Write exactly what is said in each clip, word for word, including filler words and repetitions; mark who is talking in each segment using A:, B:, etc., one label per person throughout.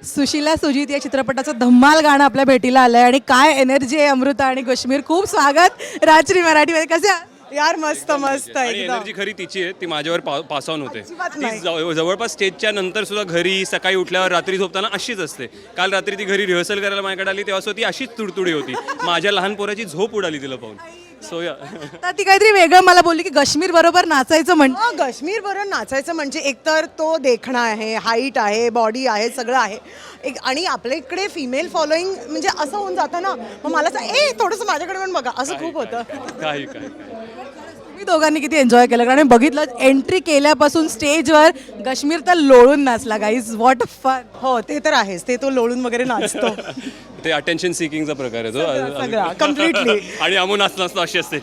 A: सुशीला सुजित या चित्रपटाचं धम्माल गाणं आपल्या भेटीला आलंय आणि काय एनर्जी आहे अमृता आणि कश्मीर. खूप स्वागत राजश्री मराठीमध्ये. कसे आहात?
B: यार मस्त मस्त
C: आणि
B: एकदम.
C: एनर्जी खरी तिची आहे, ती माझ्यावर पास ऑन होते.
B: अजिबात
C: ती
B: नाही.
C: जव- जवळपास स्टेजच्या नंतर सुद्धा घरी सकाळी उठल्यावर रात्री झोपताना अशीच असते. काल रात्री ती घरी रिहर्सल करायला माझ्याकडे आली तेव्हा सुद्धा ती अशीच तुडतुडी होती. माझ्या लहान पोराची झोप उडाली तिला पाहून. सो या
A: तर ती काहीतरी वेगळं मला बोलली की कश्मीर बरोबर नाचायचं म्हणजे.
B: हा, काश्मीर बरोबर नाचायचं म्हणजे एकतर तो देखणा आहे, हाईट आहे, बॉडी आहे, सगळं आहे एक. आणि आपल्या इकडे फिमेल फॉलोईंग म्हणजे असं होऊन जातं ना, मग मला असं ए थोडंसं माझ्याकडे पण बघा असं खूप होतं.
C: काही काही
A: तुम्ही दोघांनी किती एन्जॉय केलं कारण बघितलं एंट्री केल्यापासून स्टेजवर कश्मीर तर लोळून नाचला. Guys what fun.
B: हो ते तर आहेच, ते तो लोळून वगैरे नाचतो.
C: ते अटेन्शन सिकिंगचा प्रकार आहे
B: सगळा
C: तो.
B: कम्प्लिटली.
C: आणि अमू नाच नाचतो अशी असते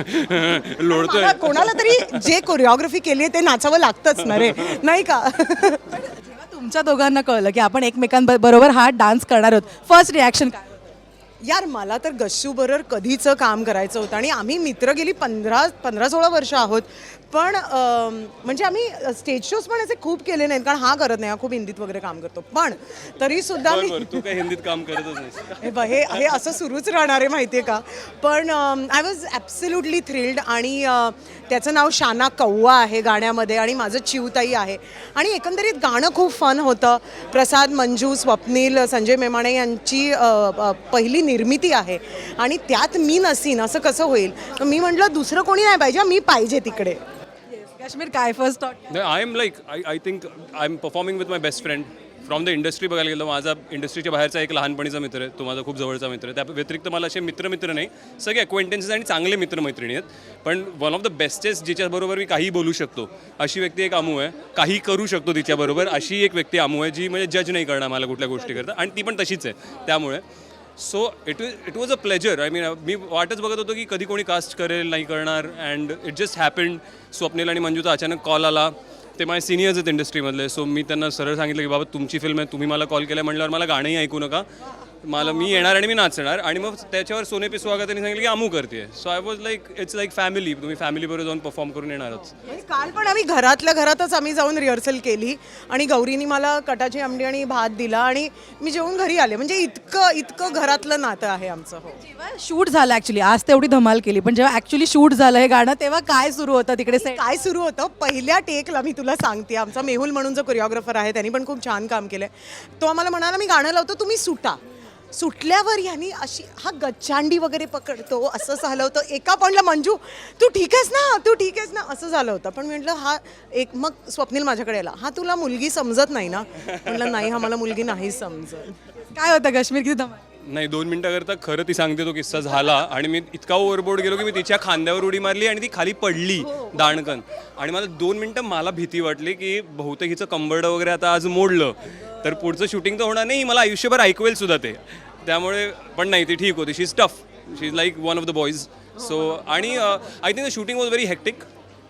C: लोळतोय.
B: मला कोणाला तरी जे कोरिओग्राफी केली आहे ते नाचावं लागतंच ना रे, नाही का?
A: जेव्हा तुमच्या दोघांना कळलं की आपण एकमेकांबरोबर हा डान्स करणार आहोत, फर्स्ट रिॲक्शन काय?
B: यार मला तर गश्शू बरोबर कधीचं काम करायचं होतं आणि आम्ही मित्र गेली पंधरा पंधरा सोळा वर्ष आहोत. पण अं, म्हणजे आम्ही स्टेज शोज पण असे खूप केले नाहीत कारण हा करत नाही, हा खूप हिंदीत वगैरे काम करतो. पण तरी सुद्धा मी
C: बरोबर, तू काय हिंदीत काम करतच नाहीस.
B: हे बघ, हे हे असं सुरूच राहणार आहे माहिती आहे का. पण आय वॉज ॲब्सल्युटली थ्रिल्ड. आणि अं, त्याचं नाव शाना कौवा आहे गाण्यामध्ये आणि माझं चिवताई आहे. आणि एकंदरीत गाणं खूप फन होतं. प्रसाद, मंजू, स्वप्नील, संजय मेमाणे यांची अं, अं, पहिली निर्मिती आहे आणि त्यात मी नसीन असं कसं होईल. तर मी म्हटलं दुसरं कोणी नाही पाहिजे, मी पाहिजे तिकडे.
A: काश्मीर काय first thought?
C: I am like I I think I am performing with my best friend from the industry. बघायला गेलं माझा इंडस्ट्रीच्या बाहेरचा एक लहानपणीचा मित्र आहे, तो माझा खूप जवळचा मित्र आहे. त्या व्यतिरिक्त मला असे मित्र मित्र नाही, सगळे अक्वेंटन्सेस आणि चांगले मित्रमैत्रिणी आहेत. पण वन ऑफ द बेस्टेस्ट जिच्याबरोबर मी काही बोलू शकतो अशी व्यक्ती एक अमू आहे. काही करू शकतो तिच्याबरोबर अशी एक व्यक्ती अमू आहे, जी म्हणजे जज नाही करणार मला कुठल्या गोष्टी करता आणि ती पण तशीच आहे. त्यामुळे so it it was a pleasure. I mean मी वाटच बघत होतो की कधी कोणी कास्ट करेल नाही करणार. And it just happened. Swapnil आणि मंजूचा अचानक कॉल आला. ते माझे सिनियर्स आहेत इंडस्ट्रीमधले. सो मी त्यांना सरळ सांगितलं की बाबा तुमची फिल्म आहे, तुम्ही मला कॉल केला म्हटल्यावर मला गाणंही ऐकू नका, मला मी येणार आणि मी नाचणार. आणि मग त्याच्यावर सोने पे सुहागा त्यांनी सांगितलं की अमू करते. So I was like it's like family. तुम्ही फॅमिलीबरोबर जाऊन परफॉर्म करून येणारच.
B: म्हणजे काल पण आम्ही घरातल्या घरातच आम्ही जाऊन रिहर्सल केली आणि गौरीनी मला कटाची आमटी आणि भात दिला आणि मी जेवून घरी आले. म्हणजे इतकं इतकं घरातलं नातं आहे आमचं. हो,
A: जेव्हा शूट झालं ॲक्च्युली, आज तेवढी धमाल केली, पण जेव्हा ॲक्च्युली शूट झालं हे गाणं तेव्हा काय सुरू होतं तिकडे सेट?
B: काय सुरू होतं पहिल्या टेकला मी तुला सांगते. आमचा मेहुल म्हणून जो कोरिओग्राफर आहे त्यांनी पण खूप छान काम केलंय. तो आम्हाला म्हणाला मी गाणं लावतो तुम्ही सुटा. सुटल्यावर यांनी अशी हा गच्चांडी वगैरे पकडतो असं झालं होतं. एका पॉईंटला मंजू तू ठीक आहेस ना, तू ठीक आहेस ना असं झालं होतं. पण म्हटलं हा एक, मग स्वप्नील माझ्याकडे आला, हा तुला मुलगी समजत नाही ना. म्हटलं नाही, हा मला मुलगी नाही समजत.
A: काय होतं काश्मीर किती धमाल?
C: नाही, दोन मिनटाकरता खरं ती सांगते तो किस्सा झाला आणि मी इतका ओव्हरबोर्ड गेलो की मी तिच्या खांद्यावर उडी मारली आणि ती खाली पडली दाणकन. आणि मला दोन मिनटं मला भीती वाटली की बहुतेक हिचं कंबरडं वगैरे आता आज मोडलं तर पुढचं शूटिंग तर होणार नाही, मला आयुष्यभर ऐकवेल सुद्धा ते. त्यामुळे पण नाही, ती ठीक होती. She is tough, she is like one of the boys. So आणि I think the shooting was very hectic.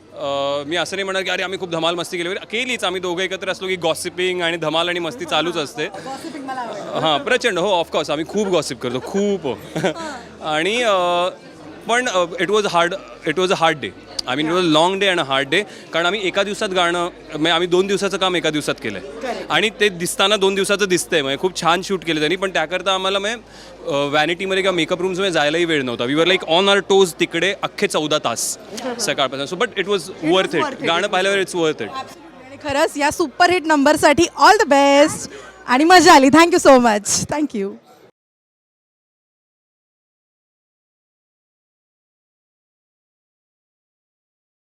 C: मी असं नाही म्हणणार की अरे आम्ही खूप धमाल मस्ती केली वगैरे. केलीच, आम्ही दोघं एकत्र असलो की गॉसिपिंग आणि धमाल आणि मस्ती चालूच असते. हां, प्रचंड. हो, ऑफकोर्स आम्ही खूप गॉसिप करतो, खूप. आणि पण it was hard it was a hard day. I mean it was long day and a hard day. कारण आम्ही एका दिवसात गाणं म्हणजे आम्ही दोन दिवसाचं काम एका दिवसात केलं आहे आणि ते दिसताना दोन दिवसाचं दिसतंय. म्हणजे खूप छान शूट केलं त्यांनी. पण त्याकरता आम्हाला म्हणजे व्हॅनिटीमध्ये किंवा मेकअप रूम्समध्ये जायलाही वेळ नव्हता. We were like on our toes तिकडे अख्खे चौदा तास सकाळपासून. So but it was worth it. गाणं पाहिल्यावर इट्स वर्थ इट.
A: आणि खरंच या सुपरहिट नंबरसाठी ऑल द बेस्ट आणि मजा आली. Thank you so much. थँक्यू.